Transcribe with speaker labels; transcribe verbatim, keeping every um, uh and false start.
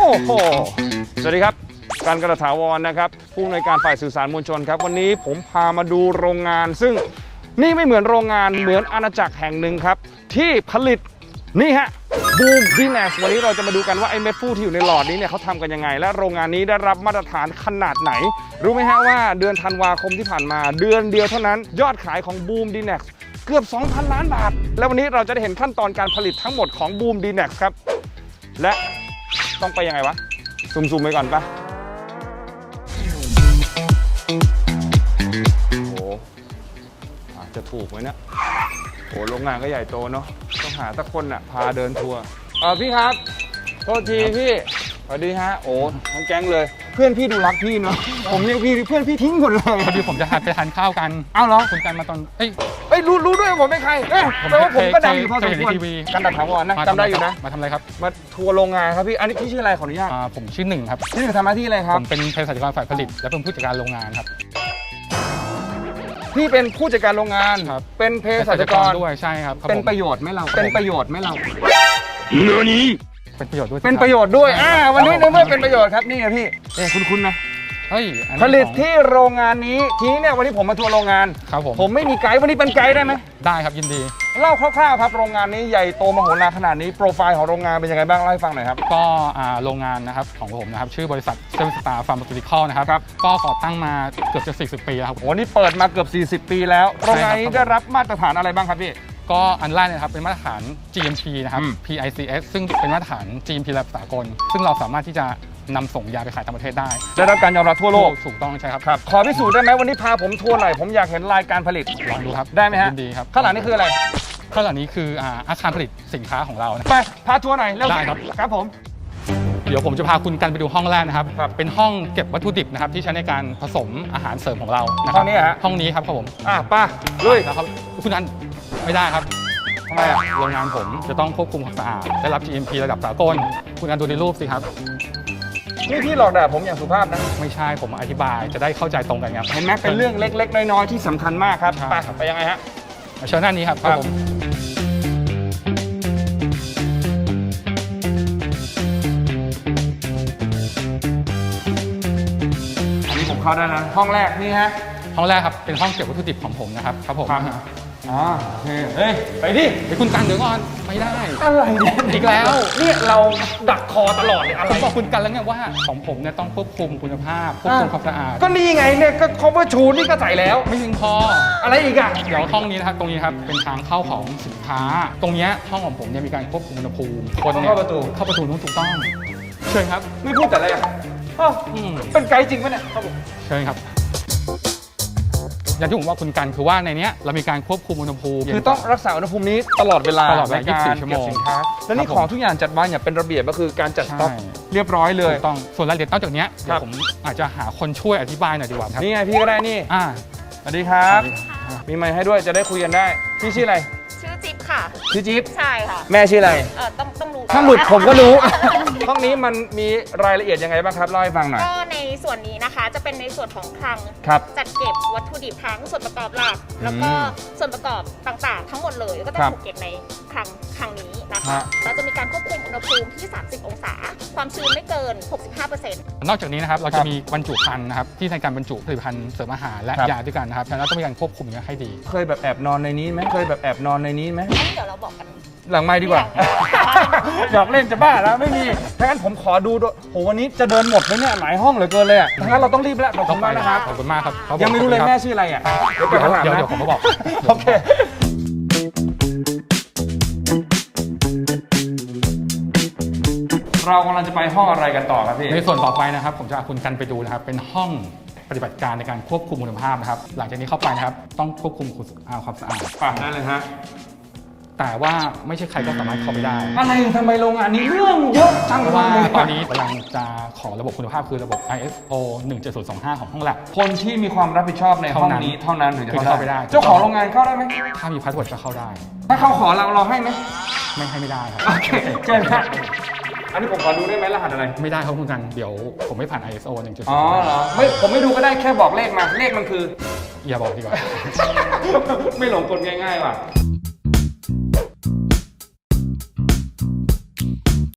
Speaker 1: อ้โหสวัสดีครับการกระถาวรนะครับผู้อำนวยการฝ่ายสื่อสารมวลชนครับวันนี้ผมพามาดูโรงงานซึ่งนี่ไม่เหมือนโรงงานเหมือนอาณาจักรแห่งหนึ่งครับที่ผลิตนี่ฮะบูมดีแนสวันนี้เราจะมาดูกันว่าไอ้เม็ดฟูที่อยู่ในหลอดนี้เนี่ยเขาทำกันยังไงและโรงงานนี้ได้รับมาตรฐานขนาดไหนรู้ไหมฮะว่าเดือนธันวาคมที่ผ่านมาเดือนเดียวเท่านั้นยอดขายของบูมดีแนสเกือบ สองพัน ล้านบาทแล้ววันนี้เราจะได้เห็นขั้นตอนการผลิตทั้งหมดของบูมดีแนสครับและต้องไปยังไงวะซูมๆไปก่อนปะโอ้อาจจะถูกไหมเนี่ยโอ้โรงงานก็ใหญ่โตเนาะต้องหาสักคนน่ะพาเดินทัวร์เออพี่ครับโทษทีพี่สวัสดีฮะโอ้ทั้งแก๊งเลยเพื่อนพี่ดูรักพี่เนาะผมเรียกพี่เพื่อนพี่ทิ้งหมดเลย
Speaker 2: พอดีผมจะไปทานข้าวกัน
Speaker 1: อ้าวเหรอ
Speaker 2: คุณกันมาตอนเอ้ย
Speaker 1: เอ้ยรู้รู้ด้วยผมเป็นใครเอ้ยแต่ว่าผมก็ดังอยู่พอสมควรกันดักถาวรนะจำได้อยู่นะ
Speaker 2: มาทำอะไรครับ
Speaker 1: มาทัวร์โรงงานครับพี่อันนี้พี่ชื่ออะไรขออนุญาต
Speaker 2: ผมชื่อหนึ่งครับ
Speaker 1: ชื่อทำหน้าที่อะไรครับ
Speaker 2: ผมเป็นเภสัชกรฝ่ายผลิตและเป็นผู้จัดการโรงงานครับ
Speaker 1: พี่เป็นผู้จัดการโรงงานเป็นเภสัชกร
Speaker 2: ด้วยใช่ครับ
Speaker 1: เป็นประโยชน์ไหมเราเป็นประโยชน์ไหมเรา
Speaker 2: เนื้อนี้เป็นประโยชน์ด้วย
Speaker 1: เป็นประโยชน์ด้วยอ่าวันนี้ในเมื่อเป็นประโยชน์ครับนี่ไงพี่เอ้คุณคุณนะ
Speaker 2: เฮ้ย
Speaker 1: ผลิตที่โรงงานนี้ทีนี้เนี่ยวันนี้ผมมาทัวร์โรงงาน
Speaker 2: ครับผม
Speaker 1: ผมไม่มีไกด์วันนี้เป็นไกด์ได้ไหม
Speaker 2: ได้ครับยินดี
Speaker 1: เล่าคร่าวๆครับโรงงานนี้ใหญ่โตมโหฬารขนาดนี้โปรไฟล์ของโรงงานเป็นยังไงบ้างเล่าให้ฟังหน่อยครับ
Speaker 2: ก็โรงงานนะครับของผมนะครับชื่อบริษัทเซเว่นสตาร์ฟาร์มาซูติคอลนะครับก็ก่อตั้งมาเกือบจะสี่สิบปีแล้วครับ
Speaker 1: โอ้นี่เปิดมาเกือบสี่สิบปีแล้วโรงงานนี้ได้รับมาตรฐานอะไรบ้างครับพี่
Speaker 2: ก็อันแรกนะครับเป็นมาตรฐาน จี เอ็ม พี นะครับ พี ไอ ซี เอส ซึ่งเป็นมาตรฐาน จี เอ็ม พี ระดับสากลซึ่งเราสามารถที่จะนำส่งยาไปขายต่างประเทศได้
Speaker 1: ได้รับการยอมรับทั่วโลก
Speaker 2: ถูกต้องใช่ครับ
Speaker 1: ครับขอพิสูจน์ได้ไหมวันนี้พาผมทัวร์หน่อยผมอยากเห็นรายการผลิต
Speaker 2: ลองดูครับ
Speaker 1: ได้ไหมฮะ
Speaker 2: ดีครับ
Speaker 1: ข้างหลังนี่คืออะไร
Speaker 2: ข้างหลังนี้คืออาคารผลิตสินค้าของเรา
Speaker 1: ไปพาทัวร์หน่อยเร็ว
Speaker 2: ได้ครับ
Speaker 1: ครับผม
Speaker 2: เดี๋ยวผมจะพาคุณกันไปดูห้องแรกนะครับเป็นห้องเก็บวัตถุดิบนะครับที่ใช้ในการผสมอาหารเสริมของเรา
Speaker 1: ห้องนี้ฮะ
Speaker 2: ห้องนี้ครับครับผม
Speaker 1: อ่ะป้าลุย
Speaker 2: นะครับคุณกันไม่ได้ครับ
Speaker 1: ทำไมอ่ะ
Speaker 2: โรงงานผมจะต้องควบคุมความสะอาดได้รับ จี เอ็ม พี ระดับสากลคุณกันดูในรูปสิครับ
Speaker 1: นี่พี่หลอกด่าผมอย่างสุภาพนะ
Speaker 2: ไม่ใช่ผมอธิบายจะได้เข้าใจตรงกันครับ
Speaker 1: เห็นไหมเป็นเรื่องเล็กๆน้อยๆที่สำคัญมากครับไปไปยังไงฮะ
Speaker 2: เชิญหน้านี้ครับครับผม
Speaker 1: อันนี้ผมเข้าได้นะห้องแรกนี่ฮะ
Speaker 2: ห้องแรกครับเป็นห้องเก็บวัตถุดิบของผมนะครับครับผม
Speaker 1: อ๋อโอเคเฮ้ยไปดิ
Speaker 2: ไปคุณกันเดี๋ยวก่อนไม่ได้
Speaker 1: อะไรเนี่ย
Speaker 2: อีกแล้ว
Speaker 1: เนี่ยเราดักคอตลอดเลยอะไร
Speaker 2: ผมบอกคุณกันแล้วไงว่าของผมเนี่ยต้องควบคุมคุณภาพควบคุมความสะอาด
Speaker 1: ก็นี่ไงเนี่ยก็ cover ชูนี่ก็ใส่แล้ว
Speaker 2: ไม่เพียงพอ
Speaker 1: อะไรอีกอ่ะ
Speaker 2: เดี๋ยวห้องนี้นะครับตรงนี้ครับเป็นทางเข้าของสินค้าตรงนี้ห้องของผมเนี่ยมีการควบคุมอุณหภูมิ
Speaker 1: คนเข้าประตู
Speaker 2: เข้าประตูนู้นถูกต้องเชิญครับ
Speaker 1: ไม่พูดแต่อะไรอ่ะเป็นไกด์จริงปะเนี่ยครับผม
Speaker 2: เชิญครับอย่างที่ผมว่าคุณกันคือว่าในนี้เรามีการควบคุมอุณหภูมิ
Speaker 1: คือต้องรักษาอุณหภูมินี้ตลอดเวลา
Speaker 2: ตลอดเวลายี่สิบสี่ชั่วโมง
Speaker 1: สินค้าและนี่ของทุกอย่างจัดวางอย่างเป็นระเบียบก็คือการจัดสต็อกเรียบร้อยเลย
Speaker 2: ต้องส่วนรายละเอียดนอกจากนี้เดี๋ยวผมอาจจะหาคนช่วยอธิบายหน่อยดีกว่าครับ
Speaker 1: นี่ไงพี่ก็ได้นี่
Speaker 2: อ่า
Speaker 1: สวัสดีครับมีไมค์ให้ด้วยจะได้คุยกันได้พี่ชื่ออะไร
Speaker 3: ชื่อจิ๊บค่ะ
Speaker 1: ชื่อจิ๊บ
Speaker 3: ใช่ค่ะ
Speaker 1: แม่ชื่ออะไร
Speaker 3: เออต้องต้องรู้
Speaker 1: ถ้าหลุดผมก็รู้ห้องนี้มันมีรายละเอียดยังไงบ้างครับเล่าให้ฟังหน่อย
Speaker 3: ก็ในส่วนนี้นะคะจะเป็นในส่วนของคลังจัดเก็บวัตถุดิบทั้งส่วนประกอบหลักแล้วก็ส่วนประกอบต่างๆทั้งหมดเลยก็จะถูกเก็บในคลังคลังนี้นะคะเราจะมีการควบคุมอุณหภูมิที่สามสิบองศาความชื้นไม่เกิน หกสิบห้าเปอร์เซ็นต์
Speaker 2: นอกจากนี้นะครับเราจะมีบรรจุภัณฑ์นะครับที่ในการบรรจุผลิตภัณฑ์เสริมอาหารและยาด้วยกันนะครับฉะนั้นต้องมีการควบคุมให้ดี
Speaker 1: เคยแบบแอบนอนในนี้ไหมเคยแบบแอบนอนในนี้ไหม
Speaker 3: เดี๋ยวเราบอกกัน
Speaker 1: หลังไมค์ดีกว่าหยอกเล่นจะบ้าแล้วไม่มีถ้างั้นผมขอดูด้วยโหวันนี้จะเดินหมดไหมเนี่ยหลายห้องเหลือเกินเลยอ่ะถ้างั้นเราต้องรีบแล้วขอบคุณมากนะครับ
Speaker 2: ขอบคุณมากครับ
Speaker 1: ยังไม่รู้เลยแม่ชื่ออะไรอ่ะ
Speaker 2: เดี๋ยวเดี๋ยวผมก็บอก
Speaker 1: โอเคเรากำลังจะไปห้องอะไรกันต่อครับพี่
Speaker 2: ในส่วนต่อไปนะครับผมจะพาคุณกันไปดูนะครับเป็นห้องปฏิบัติการในการควบคุมคุณภาพนะครับหลังจากนี้เข้าไปนะครับต้องควบคุมความสะอาด
Speaker 1: ป่ะนั่นเลยฮะ
Speaker 2: แต่ว่าไม่ใช่ใครก็สามารถเข้าไปได้
Speaker 1: อะไรทำไมโรงงานนี้เรื่องเยอะจัง
Speaker 2: เพราะว่าตอนนี้กำลังจะขอระบบคุณภาพคือระบบ ไอ เอส โอ หนึ่งเจ็ดศูนย์สองห้า ของห้องแลบ
Speaker 1: คนที่มีความรับผิดชอบในห้องนี้เท่านั้นถึงจะ
Speaker 2: เข้าไปได้
Speaker 1: เจ้าของโรงงานเข้าได้ไหม
Speaker 2: ถ้ามีพาสเวิร์ดก็เข้าได้
Speaker 1: ถ้าเขาขอเราเราให้ไหม
Speaker 2: ไม่ให้ไม่ได้ครับ
Speaker 1: โอเคเชิญครับอันนี้ผมขอดูได้ไหมรหัสอะไร
Speaker 2: ไม่ได้ครับคุณกันเดี๋ยวผมไม่ผ่าน ไอ เอส โอ หนึ่งเจ็ดศูนย์
Speaker 1: อ๋อเหรอไม่ผมไม่ดูก็ได้แค่บอกเลขมาเลขมันคือ
Speaker 2: อย่าบอกดีกว่า
Speaker 1: ไม่หลงกลง่ายๆว่ะ